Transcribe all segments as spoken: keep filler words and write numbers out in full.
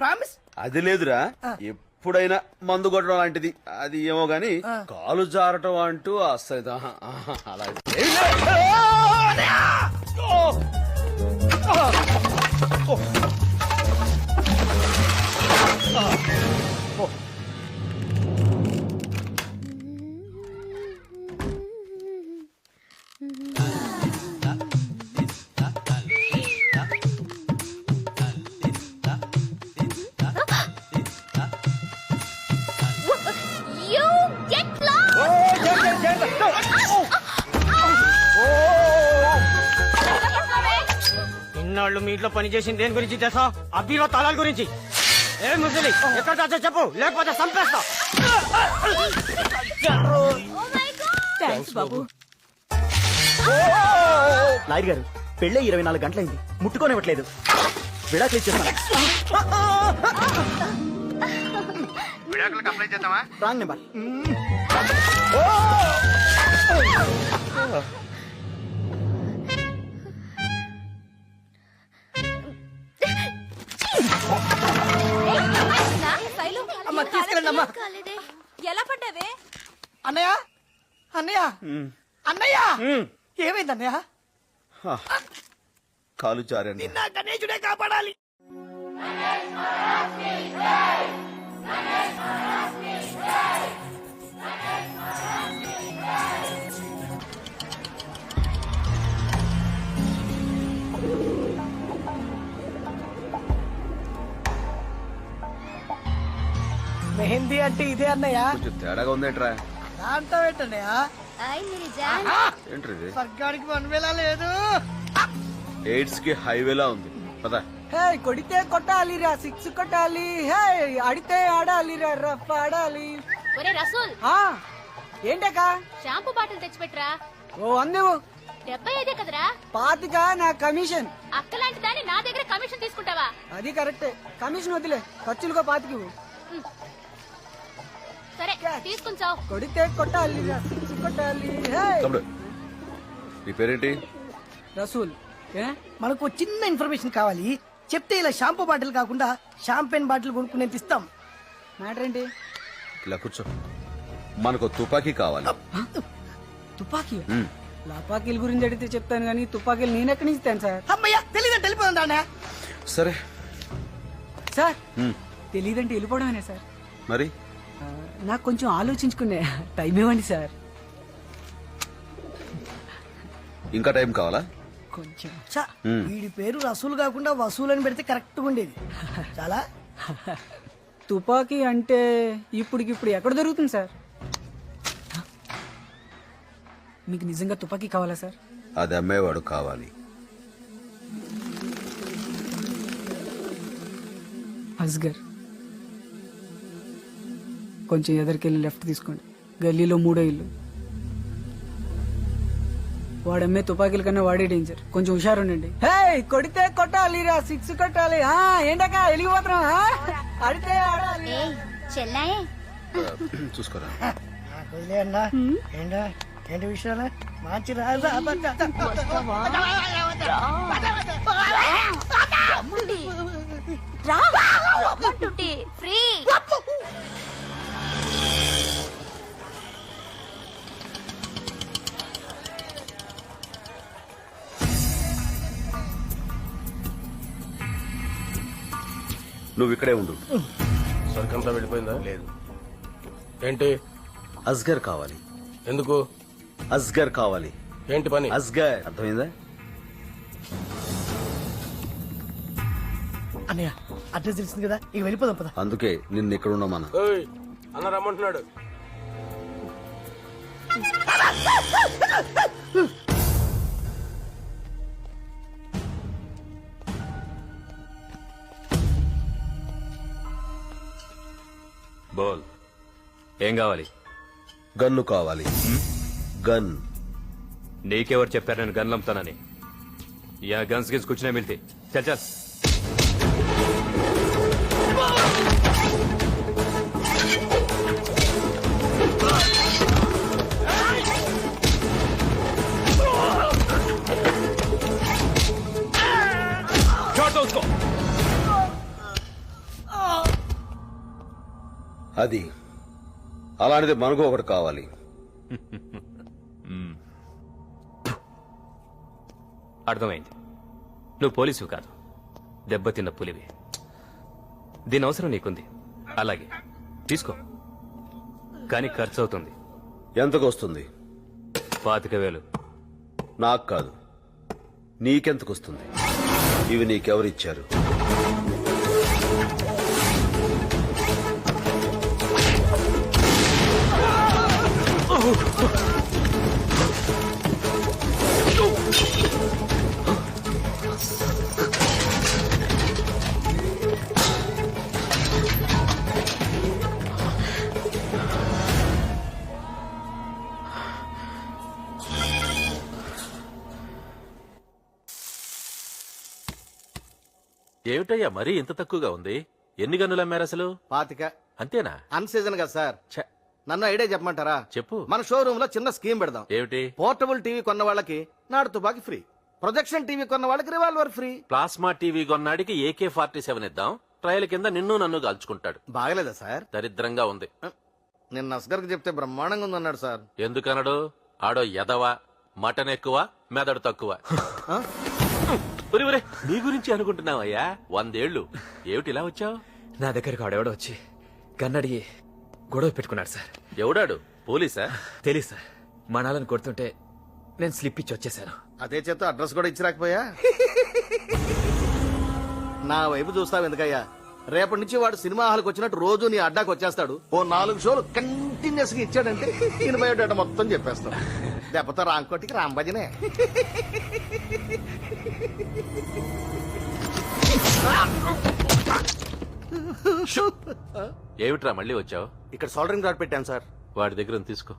Promise. అది లేదురా, ఎప్పుడైనా మందు కొట్టడం లాంటిది అది ఏమో గాని కాలు జారటం అంటూ అస్సలు ఆహా, ఆహా, అలా ఏమీ లేదు. ఓ! ఓ! ఓ! You get lost! ఇన్నాళ్ళు మీ ఇంట్లో పని చేసింది దేని గురించి తెలుసా? అబ్బీలో తాళాల గురించి. ఏ ముసలి ఎక్కడ దాచో చెప్పు, లేకపోతే చంపేస్తా. థ్యాంక్స్ బాబు. లాయర్ గారు, పెళ్ళే ఇరవై నాలుగు గంటలైంది, ముట్టుకోనివ్వట్లేదు. విడాకులు ఇచ్చేస్తాను. విడాకులకు అప్లై చేద్దామా? Wrong number. అమ్మా తీసుకెళ్ళండి అమ్మా. ఎలా పడ్డావే? అన్నయ్య అన్నయ్య అన్నయ్య ఏమైంది అన్నయ్య? కాలు జారండి. నా గణేశుడే కాపాడాలి. మెహందీ అంటే ఇదే అన్నయ్య. కొంచెం తేడాగా ఉందేంట్రా? దాంతో పెట్టన్నయ్య. ఏంట్రీ స్వర్గానికి వన్ వేలా లేదు, ఎయిడ్స్ కి హైవేలా ఉంది పదా. హే కొడితే కొట్టాలిరా సిక్స్ కొట్టాలి, హే ఆడితే ఆడాలిరా రఫ్ ఆడాలి. ఒరే రసూల్, ఆ ఏంటకా? Shampoo bottle తెచ్చిపెట్రా. ఓ అందేవు డెబ్బై ఐదే కదరా? పాతిక నా కమిషన్. అక్కలాంటి దాన్ని నా దగ్గర కమిషన్ తీసుకుంటావా? అది కరెక్టే, కమిషన్ వదిలే, ఖర్చులుగా పాతికి. సరే తీసుకుంటావు. కొడితే కొట్టాలిరా సిక్స్ కొట్టాలి. హే తమ్ముడు, నీ పేరేంటి? రసూల్. మనకు చిన్న ఇన్ఫర్మేషన్ కావాలి, చెప్తే ఇలా షాంపూ బాటిల్ కాకుండా షాంపెన్ బాటిల్ కొనుక్కునే ఇస్తాం. మ్యాటర్ ఏంటి? ఇలా కూర్చో. మనకు తుపాకీ కావాలి. తుపాకీ? ఉమ్. లపాకీల గురించి అడిగితే చెప్తాను కానీ తుపాకీలు నేను ఎక్కడి నుంచి ఇస్తాను సార్? అమ్మయ్యా తెలియదంటే వెళ్ళిపోదా సరే సార్? ఉమ్. తెలియదంటే వెళ్ళిపోవడమేనా సార్? మరి ఆ, నాకు కొంచెం ఆలోచించుకునే టైం ఇవ్వండి సార్. ఇంకా టైం కావాలా? కొంచెం. ఉమ్. వీడి పేరు రసూలు కాకుండా వసూలు అని పెడితే కరెక్ట్ గా ఉండేది. చాలా తుపాకీ అంటే ఇప్పుడికిప్పుడు ఎక్కడ దొరుకుతుంది సార్? మీకు నిజంగా తుపాకీ కావాలా సార్? అది అమ్మేవాడు కావాలి. అస్గర్, కొంచెం ఎదరికెళ్ళి లెఫ్ట్ తీసుకోండి, గల్లీలో మూడో ఇల్లు. వాడమ్మే తుపాకీల కన్నా వాడే డేంజర్, కొంచెం హుషారుండండి. హే కొడితే కొట్టాలి రా సిక్స్ కొట్టాలి. ఏంటక్క వెలిగిపోతున్నాం? అడితే ఆడాలి. చెల్లాయే చూసుకోరా. అన్నా ఏంటా ఏంటి విషయాలు? మంచి రాజా ఫ్రీ. నువ్వు ఇక్కడే ఉండు. సరికంతా వెళ్ళిపోయిందా? లేదు. ఏంటి? అస్గర్ కావాలి. ఎందుకు? అస్గర్ కావాలి. ఏంటి పని? అస్గర్ అర్థమైందా? అన్నయ్య అడ్రస్ తెలిసింది కదా, ఇక వెళ్ళిపోదాం పద. అందుకే నిన్ను ఇక్కడ ఉన్నామన్నా. ఏయ్, అన్న రమ్మంటున్నాడు. బోల్, ఏం కావాలి? గన్ను కావాలి. గన్. నీకెవరు చెప్పారు నేను గన్లు అమ్ముతానని? యా గన్స్ గిన్స్ కూర్చునే మిల్తే చల్ చల్. छोड़ दो उसको। అది అలాంటిది మనకు ఒకటి కావాలి. అర్థమైంది. నువ్వు పోలీసు కాదు, దెబ్బతిన్న పులివి. దీని అవసరం నీకుంది, అలాగే తీసుకో. కానీ ఖర్చు అవుతుంది. ఎంతకు వస్తుంది? పాతిక వేలు. నాకు కాదు, నీకెంతకు వస్తుంది? ఇవి నీకెవరిచ్చారు? ఏమిటయ్యా మరీ ఇంత తక్కువగా ఉంది? ఎన్ని గన్నులు అమ్మారు అసలు? పాతిక. అంతేనా? అన్ సీజన్ కదా సార్. ఛ, నన్ను ఐడియా చెప్పమంటారా? చెప్పు. మన షోరూమ్ లో చిన్న స్కీమ్ పెడదాం. ఏమిటి? పోర్టబుల్ టీవీ కొన్న వాళ్ళకి నాడు తుపాకి ఫ్రీ, ప్రొజెక్షన్ టీవీ కొన్న వాళ్ళకి రివాల్వర్ ఫ్రీ. ప్లాస్మా టీవీ కొన్నాడికి ఏకే ఫార్టీ సెవెన్ ఇద్దాం. ట్రయల్ కింద నిన్ను నన్ను కాల్చుకుంటాడు. బాగలేదా సార్? దరిద్రంగా ఉంది. నిన్న అస్గర్కి చెప్తే బ్రహ్మాండంగా ఉందన్నాడు సార్. ఎందుకనడు? ఆడో ఎదవ, మటన్ ఎక్కువ, మెదడు తక్కువ. ఆ? ఒరే ఒరే, నీ గురించి అనుకుంటున్నావయ్యా. వందేళ్లు ఏమిటి ఇలా వచ్చావు? నా దగ్గరకు ఆడెవడో వచ్చి కన్నడిగి గొడవ పెట్టుకున్నాడు సార్. ఎవడాడు? పోలీసా? తెలీదు సార్. మనాలను కొడుతుంటే నేను స్లిప్ ఇచ్చి వచ్చేసాను. అదే చేత అడ్రస్ కూడా ఇచ్చి రాకపోయా? నా వైపు చూస్తావు ఎందుకయ్యా? రేపటి నుంచి వాడు సినిమా హాల్కి వచ్చినట్టు రోజు నీ అడ్డాకి వచ్చేస్తాడు. ఓ నాలుగు షోలు కంటిన్యూస్ గా ఇచ్చాడంటే నేను బయోడేటా మొత్తం చెప్పేస్తాడు. దెబ్బతో రాంకోటికి రాంబజనే. ఏమిట్రా మళ్ళీ వచ్చావు? ఇక్కడ సోల్డరింగ్ రాడ్ పెట్టాను సార్. వాడి దగ్గర ఉంది, తీసుకో.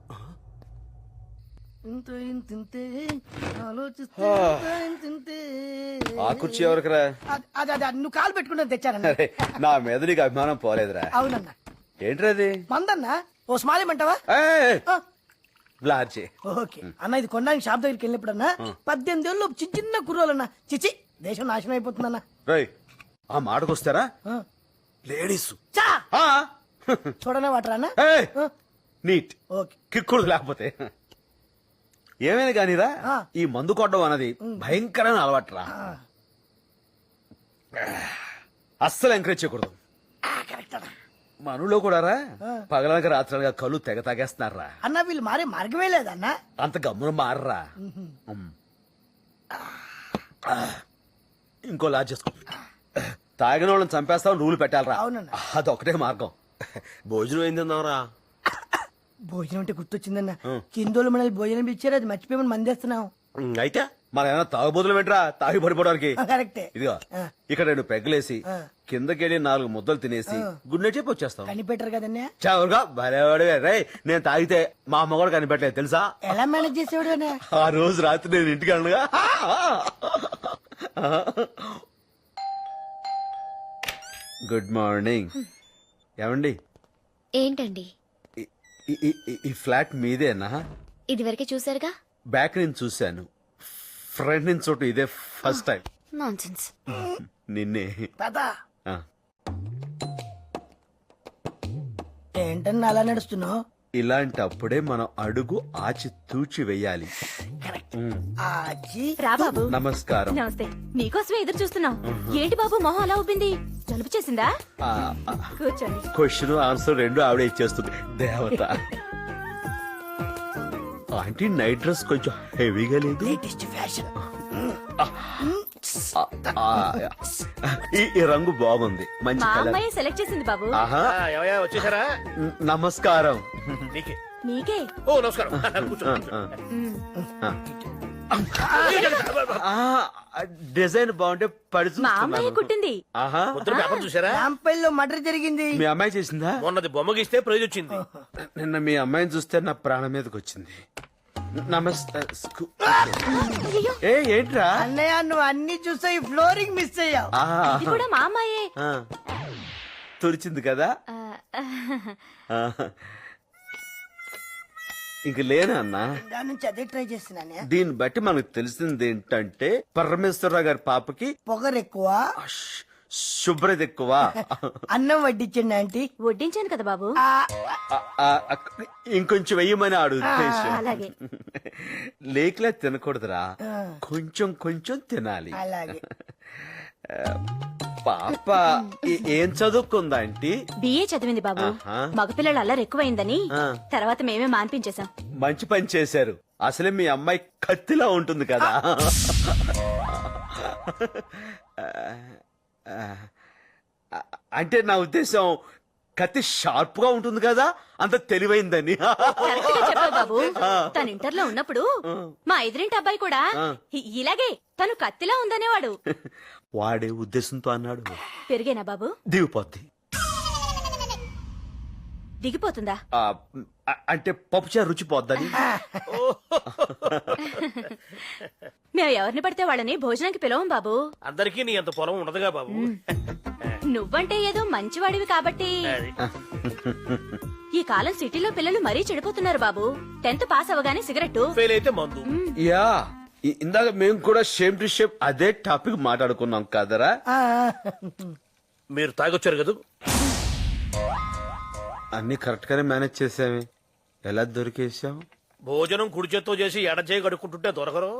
ఆ కుర్చీ ఎవరికిరా? అదే అదే నువ్వు కాలు పెట్టుకుంటే తెచ్చారన్న. అరే, నా మీద నీకు అభిమానం పోలేదురా. అవునన్నా. ఏంట్రా అది? మందన్నా ఓ స్మాల్ ఏమంటావా? ఏయ్, బ్లార్చి. ఓకే అన్న, ఇది కొనడానికి షాప్ దగ్గరికి వెళ్ళినప్పుడన్నా పద్దెనిమిది ఏళ్ళు చిన్న చిన్న కుర్రోలన్నా చిచి దేశం నాశనం అయిపోతుందన్నా. రేయ్, ఆ మాటకొస్తారా? లేడీస్ చా చూడనే వాటరా అన్న. నీట్ ఓకే కిక్కుడు లేకపోతే ఏమైనా కానీరా, ఆ. ఈ మందు కొట్టడం అన్నది భయంకరమైన అలవాటురా. అస్సలు ఎంకరేజ్ చేయకూడదు. మనలో కూడా రా పగలనక రాత్రులుగా కళ్ళు తెగ తాగేస్తున్నారా. అన్న వీళ్ళు మారే మార్గమే లేదన్నా. అంత గమ్మున మారరా. ఉమ్. ఇంకో లాజ్ చేసుకో. తాగిన వాళ్ళని చంపేస్తామని రూలు పెట్టాలరా. అవునన్నా. అదొకటే మార్గం. భోజనం ఏం తిన్నావురా? భోజనం అంటే గుర్తొచ్చిందన్న. కిందోళ్ళు మనల్ని భోజనం ఇచ్చారు, అది మర్చిపోయి మందేస్తున్నాం. అయితే మన ఏమైనా తాగుబోతులు పెట్టరా తాగి పడిపోవడానికి. కరెక్టే. ఇదిగో ఇక్కడ రెండు పెగ్గలేసి కిందకెళ్ళి నాలుగు ముద్దలు తినేసి గుడ్ నైట్ చెప్పి వచ్చేస్తాం. కనిపెట్టరు కదన్నా. చవరుగా భలేవాడే రే. నేను తాగితే మా అమ్మ కూడా కనిపెట్టలేదు తెలుసా. ఎలా మేనేజ్ చేసేవాడు అన్న? ఆ రోజు రాత్రి నేను ఇంటికి అనగా గుడ్ మార్నింగ్. ఏమండి, ఏంటండి ఈ- ఈ- ఈ- ఈ ఫ్లాట్ మీదేనా? ఇదివరకే చూసారుగా. బ్యాక్ నుంచి చూశాను, ఫ్రంట్ నుంచి చోటు ఇదే ఫస్ట్ టైం. నాన్సెన్స్. నిన్నే. పదా ఆ. ఏంటన్నా అలా నడుస్తున్నావు? ఇలాంటప్పుడే మనం అడుగు ఆచి తూచి వెయ్యాలి. ఆచి రా బాబు. నమస్కారం. నమస్తే. నీకోసమే ఎదురు చూస్తున్నాం. ఏంటి బాబు మొహం అలా ఉబ్బింది? జలుబు చేసిందా? కూర్చోండి. క్వశ్చన్ ఆన్సర్ రెండు ఆవిడ ఇచ్చేస్తుంది. దేవత. ఆంటీ నైట్ డ్రెస్ కొంచెం హెవీగా లేదు? Latest fashion. ఆ, ఈ ఈ రంగు బాగుంది, మంచి మా కలర్. అమ్మాయి సెలెక్ట్ చేసింది బాబు. ఆహా. ఎవయా వచ్చేసారా? న- నమస్కారం. నీకే. నీకే. ఓ నమస్కారం. కూర్చో. ఆ, ఆ. ఆ, డిజైన్ బాగుంటే పడి మా అమ్మాయి చూస్తున్నాను. కుట్టింది. ఆహా. పొద్దున పేపర్ చూసారా? రాంపల్లిలో మర్డర్ జరిగింది. మీ అమ్మాయి చేసిందా? మొన్నది బొమ్మ గీస్తే ప్రైజ్ వచ్చింది. నిన్న మీ అమ్మాయిని చూస్తే నా ప్రాణం మీదకి వచ్చింది. నమస్తే. స్కూ- ఏ ఏంట్రా? అన్నయ్య నువ్వు అన్ని చూసా ఈ ఫ్లోరింగ్ మిస్ అయ్యావు. ఆ, ఇది కూడా మా అమ్మాయే. ఆ. తుడిచింది కదా. ఆ, ఆ. ఇంక లేనా అన్నా? దాని నుంచి అదే ట్రై చేస్తున్నానే. దీన్ని బట్టి మనకు తెలిసింది ఏంటంటే పరమేశ్వరరావు గారి పాపకి పొగరు ఎక్కువ, శుభ్రత ఎక్కువ అన్నం వడ్డించండి ఆంటీ. వడ్డించాను కదా బాబు. ఆ, ఆ, ఆ, ఇంకొంచెం వెయ్యమని ఆడు ఉద్దేశం. అలాగే. లేకలే తినకూడదురా, కొంచెం కొంచెం తినాలి. అలాగే. పాప ఏ- ఏం చదువుకుందా ఆంటీ? బిఏ చదివింది బాబు. ఆహా. మగపిల్లలు అల్లరి ఎక్కువైందని ఆ. తర్వాత మేమే మాన్పించేశాం. మంచి పని చేశారు. అసలే మీ అమ్మాయి కత్తిలా ఉంటుంది కదా. అంటే నా ఉద్దేశం కత్తి షార్ప్ గా ఉంటుంది కదా, అంత తెలివైందని. కరెక్ట్ గా చెప్పావు బాబు. తను ఇంటర్ లో ఉన్నప్పుడు మా ఎదురింటి అబ్బాయి కూడా ఇ- ఇలాగే తను కత్తిలా ఉందనేవాడు. వాడే ఉద్దేశంతో అన్నాడు. పెరిగేనా బాబు? దిగిపోద్ది. దిగిపోతుందా? ఆ, అ- అంటే పప్పుచారు రుచి పోద్దని. మేము ఎవరిని పడితే వాళ్ళని భోజనానికి పిలవం బాబు. అందరికీ నీ అంత పొలం ఉండదుగా బాబు. నువ్వంటే ఏదో మంచివాడివి కాబట్టి. అది. ఈ కాలం సిటీలో పిల్లలు మరీ చెడిపోతున్నారు బాబు. టెన్త్ పాస్ అవగానే సిగరెట్. ఫెయిల్ అయితే మందు. యా ఇ- ఇందాక మేము కూడా షేమ్ టు షేప్ అదే టాపిక్ మాట్లాడుకున్నాం కదరా. మీరు తాగొచ్చారు కదా. అన్ని కరెక్ట్ గానే మేనేజ్ చేసామే, ఎలా దొరికేసాం? భోజనం కుడి చేత్తో చేసి ఎడ చేయి కడుక్కుంటుంటే దొరకరు.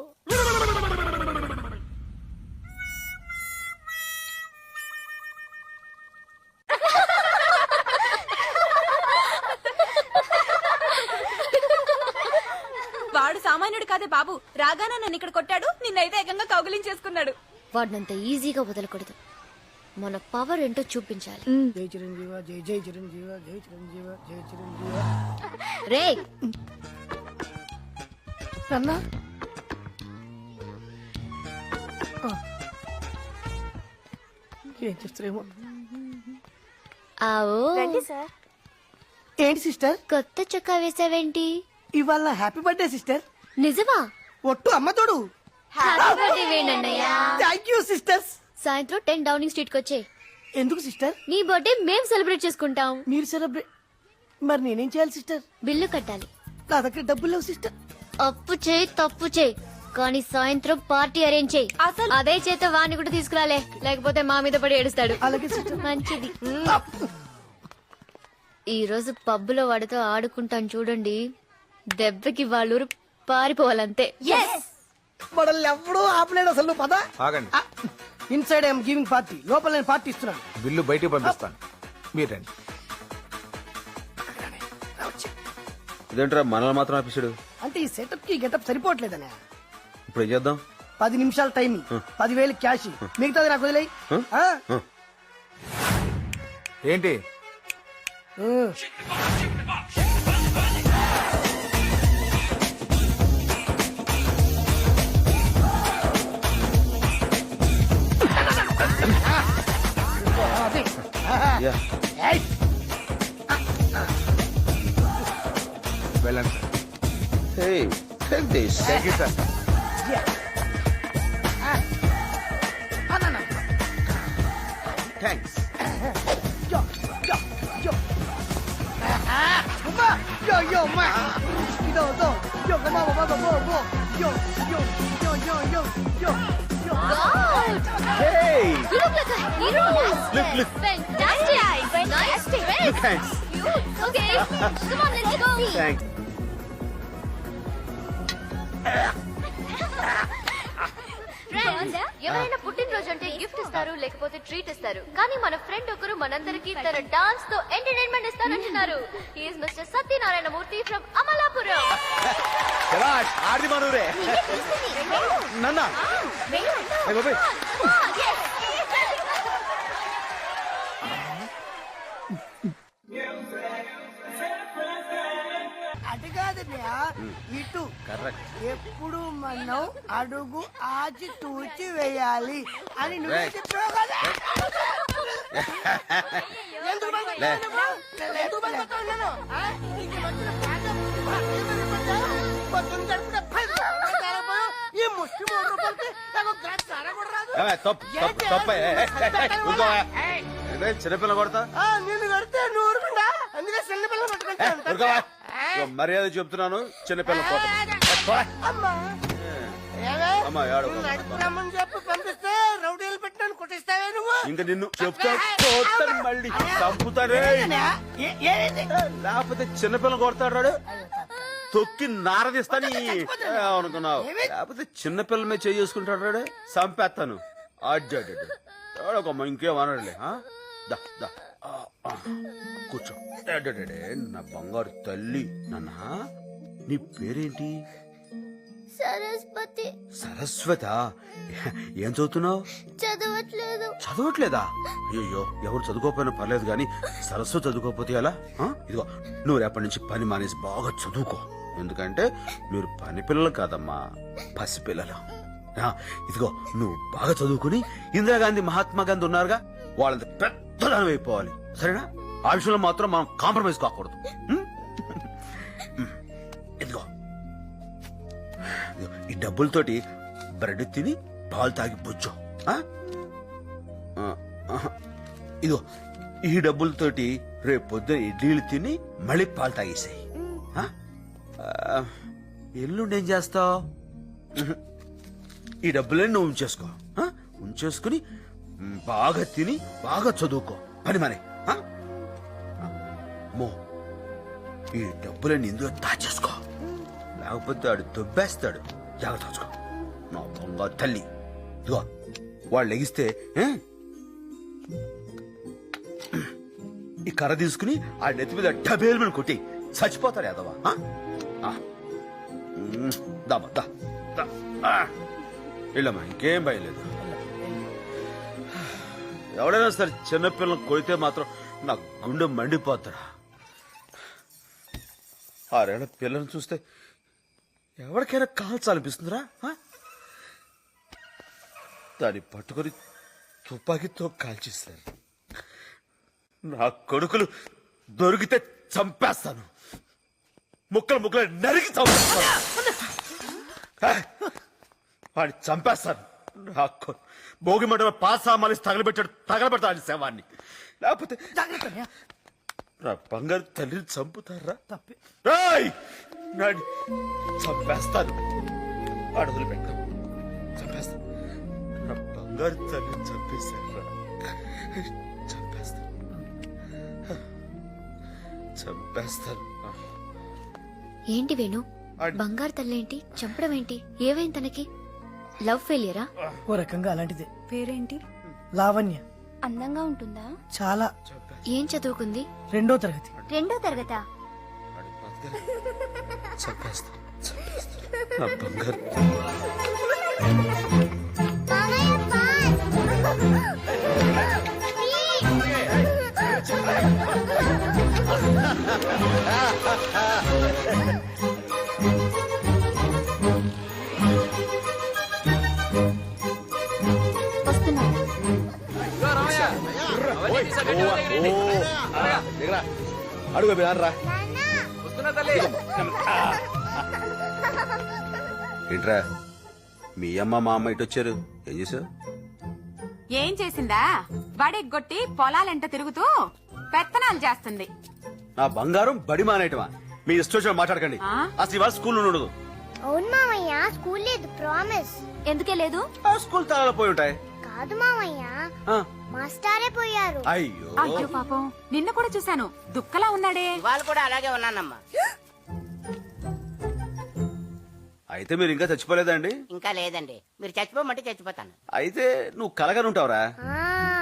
వాడు సామాన్యుడు కాదే బాబు. రాగానే నన్ను ఇక్కడ కొట్టాడు, నిన్నైతే ఏకంగా కౌగిలించేసుకున్నాడు. వాడినంత ఈజీగా వదలకూడదు. మన పవర్ ఏంటో చూపించాలి. జై చిరంజీవ, జై జై చిరంజీవ, జై చిరంజీవ, జై చిరంజీవ. రే అన్నా ఏం చేస్తారేమో. ఆవో ఏంటి సిస్టర్, కొత్త చొక్కా వేసావేంటి? ఇవాళ హ్యాపీ బర్త్డే సిస్టర్. నిజమా? ఒట్టు అమ్మ తోడు. హ్యాపీ బర్త్డే వేణన్నయ్యా. Thank you sisters. సాయంత్రం టెన్ డౌనింగ్ స్ట్రీట్ కి వచ్చే. ఎందుకు సిస్టర్? నీ బర్త్డే మేం సెలబ్రేట్ చేసుకుంటాం. మీరు సెలబ్రేట్, మరి నేనేం చేయాలి సిస్టర్? బిల్లు కట్టాలి. నా దగ్గర డబ్బులు లేవు సిస్టర్. అప్పు చేయి తప్పు చేయి, కానీ సాయంత్రం పార్టీ అరేంజ్ చేయి. అసలు అదే చేత వాణ్ణి కూడా తీసుకురాలే, లేకపోతే మా మీద పడి ఏడుస్తాడు. అలాగే సిస్టర్. మంచిది. ఈ రోజు పబ్బులో వాడితో ఆడుకుంటాను చూడండి, దెబ్బకి వాళ్ళూరు పారిపోవాలంతే. మనల్ని ఎవడూ ఆపలేడు అసలు. నువ్వు పద. ఆగండి. ఇన్సైడ్ ఐఎమ్ గివింగ్ పార్టీ, లోపల నేను పార్టీ ఇస్తున్నాను. బిల్లు బయటికి పంపిస్తాను, మీరు రండి. ఇదేంట్రా మనల్ని మాత్రం ఆపిస్తాడు? అంటే ఈ సెటప్ కి గెటప్ సరిపోవట్లేదనే. ఇప్పుడు ఏం చేద్దాం? పది నిమిషాల టైం, పదివేలు క్యాష్, మిగతాది నాకు వదిలేయి. ఆ? ఏంటి ఆ. అది. యా. ఏయ్. వెళ్ళండి sir. Hey, take this. Thank you sir. Thanks. Yo, yo, yo. Mamá, yo, yo, ma. Yo, yo, yo, come on, mamá, go, go. Yo, yo, yo, yo, yo, yo, yo. Hey, You look like a hero. look, look. Fantastic. Nice dress. Thanks. Okay, come on, let's go. Thanks. Friends, ఎవరైనా పుట్టినరోజు అంటే gift ఇస్తారు, లేకపోతే treat ఇస్తారు. కానీ మన friend ఒకరు మనందరికి తన డాన్స్ తో ఎంటర్టైన్మెంట్ ఇస్తానంటున్నారు. He is mister Satyanarayana Murthy from Amalapuram. శభాష్, ఆర్ది మనూరే. నన్నా. ఏ బాబాయ్. అది కాదు భయ్యా, ఇటు ఎప్పుడు మనం అడుగు ఆచి తూచి వేయాలి అని నువ్వు చెప్పావు కదా. ఎందుకు భయపడ్డావు నువ్వు? ఎందుకు భయపడ్డావు నేను? ఆ? నీకు వచ్చిన పాట పొద్దున్న గడుపున పది రూపాయలు తేలేకపోయావు. ఈ ముష్టి మూడు రూపాయలకి నాకు గ్లాస్ సారా కూడా రాదు. ఏ, తప్పు, తప్పు, తప్పు. ఏ, ఏ, ఏ, ఏ, ఊరుకో. ఇదే చిన్నపిల్ల కొడతా. ఆ, నిన్ను కడితే నువ్వు ఊరుకుండా, అందుకే చిన్న పిల్లలు పట్టుకుంటాను. ఊరుకోవా. ఇగో మర్యాద చెప్తున్నాను, చిన్నపిల్ల కొడతా. అమ్మా ఏమే? అమ్మా, ఏడవకు. నడుపురమ్మని చెప్పి పంపిస్తే రౌడీలు పెట్టినాను కొట్టిస్తావే ఇంకా నిన్ను చెప్తా కొడతాను మళ్ళీ చంపుతాడే లేకపోతే చిన్నపిల్ల కొడతాడు తొక్కి నారదిస్తాని అనుకున్నావు లేకపోతే చిన్నపిల్ల మీద చేసుకుంటాడు రాడు చంపేస్తాను అడ్డాడమ్మా ఇంకేమనడులే దా దా ఆ, ఆ, కూర్చో అడ్డాడే నా బంగారు తల్లి నాన్న నీ పేరేంటి సరస్వతి. సరస్వత ఏం చదువుతున్నావు చదవట్లేదు. చదవట్లేదా అయ్యో ఎవరు చదువుకోకపోయినా పర్లేదు కానీ సరస్వతి చదువుకోకపోతే ఎలా ఆ? ఇదిగో నువ్వు రేపటి నుంచి పని మానేసి బాగా చదువుకో ఎందుకంటే మీరు పని పిల్లలు కాదమ్మా పసిపిల్లలు ఆ, ఇదిగో నువ్వు బాగా చదువుకుని ఇందిరాగాంధీ మహాత్మా గాంధీ ఉన్నారుగా వాళ్ళంత పెద్దదానం అయిపోవాలి సరేనా ఆ విషయంలో మాత్రం మనం కాంప్రమైజ్ కాకూడదు ఉం? ఇదిగో ఈ డబ్బులతోటి బ్రెడ్ తిని పాలు తాగి బుజ్జో ఇదిగో ఈ డబ్బులతోటి రేపు పొద్దున ఇడ్లీలు తిని మళ్ళీ పాలు తాగేసాయి ఎల్లుండి ఏం చేస్తావు ఈ డబ్బులన్నీ నువ్వు ఉంచేసుకో ఆ? ఉంచేసుకుని మ్, బాగా తిని బాగా చదువుకో పని మనే మో ఈ డబ్బులన్నీ ఇందులో దాచేసుకో లేకపోతే ఆడు దొబ్బేస్తాడు జాగ్రత్త చూసుకో నా బంగారు తల్లి ఇదిగో వాళ్ళు లెగిస్తే ఏ? ఈ కర్ర తీసుకుని ఆ నెత్తి మీద డబేలు మీద కొట్టి చచ్చిపోతాడు యాదవా దామా దా దా. ఆ. వెళ్ళమ్మా ఇంకేం భయలేదు ఎవడైనా సరే చిన్నపిల్లలు కొడితే మాత్రం నా గుండె మండిపోతాడా ఆరేళ్ల పిల్లల్ని చూస్తే ఎవరికైనా కాల్చాలనిపిస్తుందిరా ఆ? దాన్ని పట్టుకొని తుపాకీతో కాల్చేశారు నా కొడుకులు దొరికితే చంపేస్తాను ముక్కలు ముక్కలు నరికి చంపేస్తాను ఆ? వాడిని చంపేస్తాను నా కొ- భోగి మంటలో పాసామాలి తగలబెట్టాడు తగలబెడతాను శవాన్ని లేకపోతే నా బంగారు తల్లిని చంపుతారా రాయ్ నాని చంపేస్తాను అడుగులు పెట్టాను చంపేస్తాను నా బంగారు తల్లిని చంపేశాను చంపేస్తాను చంపేస్తాను ఏంటి వేణు బంగారు తల్లేంటి చంపడం ఏంటి ఏవైంది తనకి లవ్ ఫెయిలియరా? ఓ రకంగా అలాంటిదే. పేరేంటి? లావణ్య. అందంగా ఉంటుందా? చాలా. ఏం చదువుకుంది? రెండో తరగతి. రెండో తరగతా? చంపేస్తాను చంపేస్తాను నా బంగారు అడుగు రా ఏంట్రా మీ అమ్మ మా అమ్మ ఇటు వచ్చారు ఏం చేసావు ఏం చేసిందా బడెగ్గొట్టి పొలాలెంట తిరుగుతూ పెత్తనాలు చేస్తుంది. నా బంగారం బడి మానేయటమా మీ ఇష్టం మాట్లాడకండి ఆ? అసలు ఇవాళ స్కూల్ ఉండదు అవును మామయ్య స్కూల్ లేదు ప్రామిస్. ఎందుకే లేదు? ఆ స్కూల్ తాళాలు పోయి ఉంటాయి కాదు మామయ్య ఆ, మాస్టారే పోయారు. అయ్యో అయ్యో పాపం నిన్న కూడా చూశాను దుక్కలా ఉన్నాడే. వాళ్ళు కూడా అలాగే ఉన్నానమ్మా. అయితే మీరు ఇంకా చచ్చిపోలేదండి ఇంకా లేదండి, మీరు చచ్చిపోమంటే చచ్చిపోతాను. అయితే నువ్వు కలగనుంటావురా ఆ.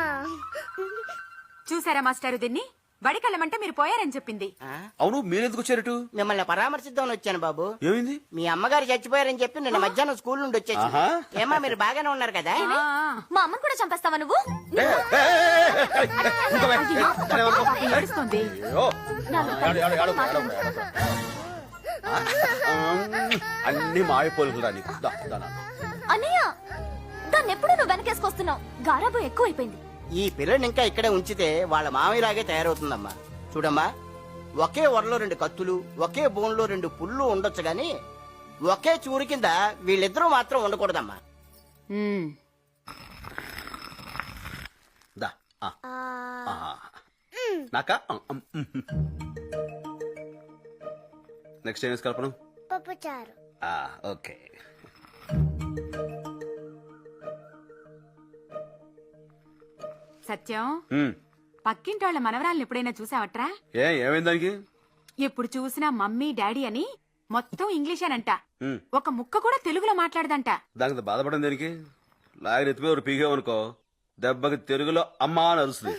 చూసారా మాస్టారు దీన్ని బడికెళ్ళమంటే మీరు పోయారని చెప్పింది. అవును మీరెందుకు వచ్చారటు మిమ్మల్ని పరామర్శిద్దామని వచ్చాను బాబు. ఏమైంది మీ అమ్మగారు చచ్చిపోయారని చెప్పి నిన్న మధ్యాహ్నం స్కూల్ నుండి వచ్చేసి ఆహా. ఏమా మీరు బాగానే ఉన్నారు కదా? ఆ, మా అమ్మని కూడా చంపేస్తావా నువ్వు? ఏ, ఏ, ఏ, ఏ, ఏ, ఏ, ఇంకా వే. అరే, వరకు. పాపం ఏడుస్తోంది. అయ్యో. ఆడు, ఆడు, ఆడు, ఆడు, ఆడు, ఆడు. ఆ, అన్ని మాయపోలుకురా నీకు దా, దా, దా. అన్నయ్య దాన్ని ఎప్పుడు నువ్వు వెనకేసుకొస్తున్నావు. గారాబం ఎక్కువైపోయింది. ఈ పిల్లని ఇంకా ఇక్కడే ఉంచితే వాళ్ళ మామయ్యలాగే తయారవుతుందమ్మా. చూడమ్మా, ఒకే వరలో రెండు కత్తులు ఒకే బోన్లో రెండు పుళ్ళు ఉండొచ్చు గాని ఒకే చూరు కింద వీళ్ళిద్దరూ మాత్రం ఉండకూడదమ్మా. ఉమ్. దా. ఆ. ఆ. నాకా నెక్స్ట్ ఏం కల్పన పప్పుచారు. ఓకే సత్యం ఉమ్. పక్కింటోళ్ళ మనవరాలను ఎప్పుడైనా చూసావట్రా? ఏ ఏమైంది దానికి? ఎప్పుడు చూసినా మమ్మీ డాడీ అని మొత్తం ఇంగ్లీషేనంట. ఉమ్. ఒక ముక్క కూడా తెలుగులో మాట్లాడదంట. దానికి బాధపడడం దేనికి? లాగిన ఎత్తిపోయి ఒక పీగామనుకో దెబ్బకి తెలుగులో అమ్మా అని అరుస్తుంది.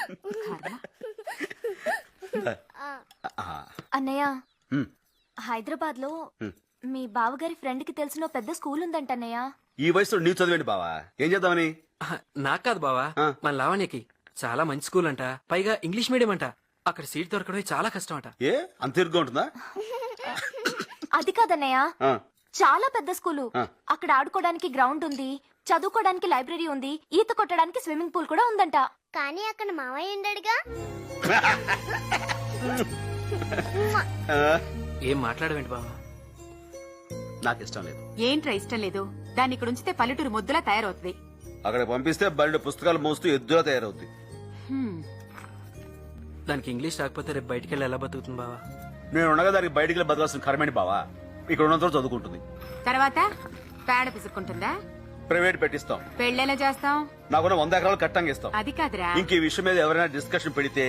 అన్నయ్య ఉమ్. హైదరాబాద్ లో ఉమ్. మీ బావగారి ఫ్రెండ్ కి తెలిసిన ఓ పెద్ద స్కూల్ ఉందంట అన్నయ్య. ఈ వయసులో నీవు చదివేంటి బావా? ఏం చేద్దామని? నాకు కాదు బావా, ఆ. మన లావణ్యకి చాలా మంచి స్కూల్ అంట, పైగా ఇంగ్లీష్ మీడియం అంట. అక్కడ సీట్ దొరకడం చాలా కష్టం అంట. ఏ అంత ఇరుగ్గా ఉంటుందా? అది కాదన్నయ్య, ఆ. చాలా పెద్ద స్కూలు. ఆ. అక్కడ ఆడుకోవడానికి గ్రౌండ్ ఉంది, చదువుకోవడానికి లైబ్రరీ ఉంది, ఈత కొట్టడానికి స్విమ్మింగ్ పూల్ కూడా ఉందంట. కానీ అక్కడ మావయ్య ఉండడుగా. ఆ, ఏం మాట్లాడవేంటి బావా? నాకు ఇష్టం లేదు. ఏంట్రా ఇష్టం లేదు? దాన్ని ఇక్కడ ఉంచితే పల్లెటూరు ముద్దులా తయారవుతుంది. అక్కడ పంపిస్తే బయట పుస్తకాలు మోస్తూ ఎద్దులా తయారవుద్ది. హ్మ్. దానికి ఇంగ్లీష్ రాకపోతే రేపు బయటికి వెళ్ళి ఎలా బతుకుతుంది బావా? నేను ఉండగా దానికి బయటికి బతకాల్సిన కర్మేంటి బావా? ఇక్కడ ఉన్నంత చదువుకుంటుంది. తర్వాత పేడ పిసుక్కుంటుందా? ప్రైవేట్ పెట్టిస్తాం. పెళ్ళెలా చేస్తాం? నాకున్న వంద ఎకరాలు కట్టంగా ఇస్తాం. అది కాదురా, ఇంక ఈ విషయం మీద ఎవరైనా డిస్కషన్ పెడితే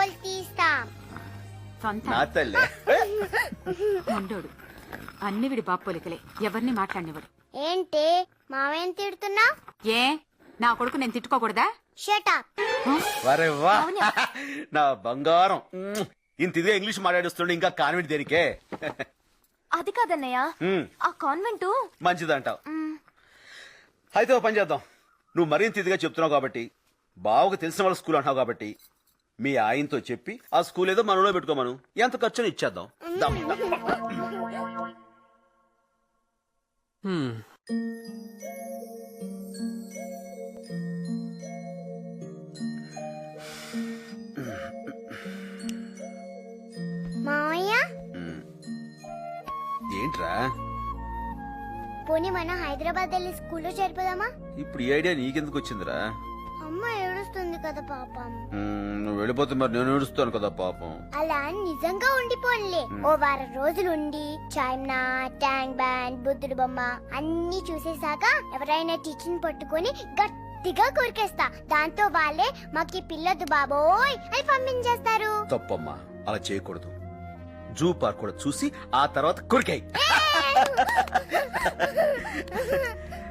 సొంత నా తల్లే. ఉండోడు. అన్ని విడి బాపోలికలే, ఎవరిని మాట్లాడినవాడు. ఏంటి మావయ్య తిడుతున్నా? ఏ నా కొడుకు నేను తిట్టుకోకూడదా? వరే వా నా బంగారం. మ్మ్. ఇంత ఇదిగా ఇంగ్లీష్ మాట్లాడిస్తుండే ఇంకా కాన్వెంట్ దేనికే? అది కాదన్నయ్య, మ్మ్. ఆ కాన్వెంట్ మంచిదంటావు. అయితే ఓ పని చేద్దాం. నువ్వు మరింత ఇదిగా చెప్తున్నావు కాబట్టి, బావకు తెలిసిన వాళ్ళ స్కూల్ అంటున్నావు కాబట్టి, మీ ఆయనతో చెప్పి ఆ స్కూల్ ఏదో మనలో పెట్టుకోమను. ఎంత ఖర్చుని ఇచ్చేద్దాం. దమ్, దమ్. హ్మ్. మావయ్య మ్మ్. ఏంట్రా పోనీ మనం హైదరాబాద్ వెళ్ళి స్కూల్లో చేరిపోదామా? ఇప్పుడు ఈ ఐడియా నీకెందుకు వచ్చిందిరా? అమ్మ ఏడుస్తుంది కదా పాపం. మ్మ్, నువ్వు వెళ్ళిపోతే మరి నేను ఏడుస్తాను కదా పాపం. అలా నిజంగా ఉండిపోన్లే. ఓ వారం రోజులు ఉండి చైనా, ట్యాంక్ బ్యాండ్, బుద్ధుడు బొమ్మ అన్ని చూసేసాక ఎవరైనా టీచర్ పట్టుకొని గట్టిగా కొరికేస్తా. దాంతో వాళ్ళే మాకి పిల్లొద్దు బాబోయ్ అని పంపించేస్తారు. తప్పమ్మా, అలా చేయకూడదు. జూ పార్క్ కూడా చూసి ఆ తర్వాత కొరికాయి.